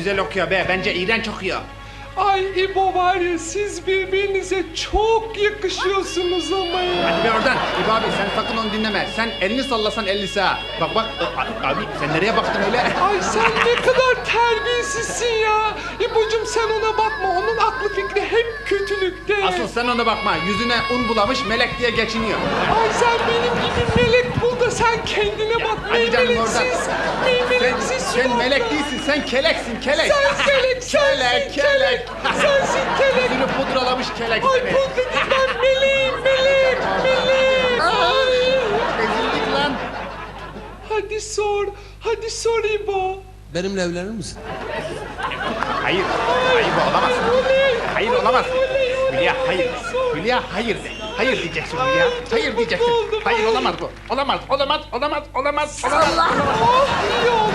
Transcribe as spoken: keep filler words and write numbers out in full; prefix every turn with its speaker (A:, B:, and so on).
A: güzel okuyor be. Bence iğrenç okuyor.
B: Ay İbo var ya, siz birbirinize çok yakışıyorsunuz ama ya.
A: Hadi be oradan. İbo abi sen sakın onu dinleme. Sen elini sallasan ellisi ha. Bak bak a- abi sen nereye baktın öyle?
B: Ay sen ne kadar terbiyesizsin ya. İbo'cum sen ona bakma, onun aklı fikri hep kötülükte.
A: Asıl sen ona bakma. Yüzüne un bulamış melek diye geçiniyor.
B: Ay sen benim gibi melek bul da sen kendine bak.
A: hadi canım
B: Meymeleksiz,
A: Sen,
B: meymeleksiz
A: sen
B: suratlı.
A: melek değilsin. Sen keleksin kelek.
B: Sen kelek, sensin
A: kelek,
B: kelek.
A: kelek.
B: Sensin kelek.
A: Yüzünü pudralamış kelek.
B: Ay
A: seni.
B: pudra değil, ben meleğim, melek, melek. Ay.
A: Ezildik lan.
B: Hadi sor, hadi sor İbo.
C: Benimle evlenir misin?
A: Hayır. Hayır bu olamaz.
B: Oley.
A: Hayır olamaz.
B: Oley, oley,
A: Hülya hayır.
B: sor.
A: Hülya hayır de. Hayır diyeceksin Hülya.
B: Ay, çok
A: Hayır
B: mutlu
A: diyeceksin.
B: oldum,
A: Hayır
B: ay.
A: olamaz bu. Olamaz. Olamaz. Olamaz. Olamaz. Olamaz.
B: Oh iyi oldu.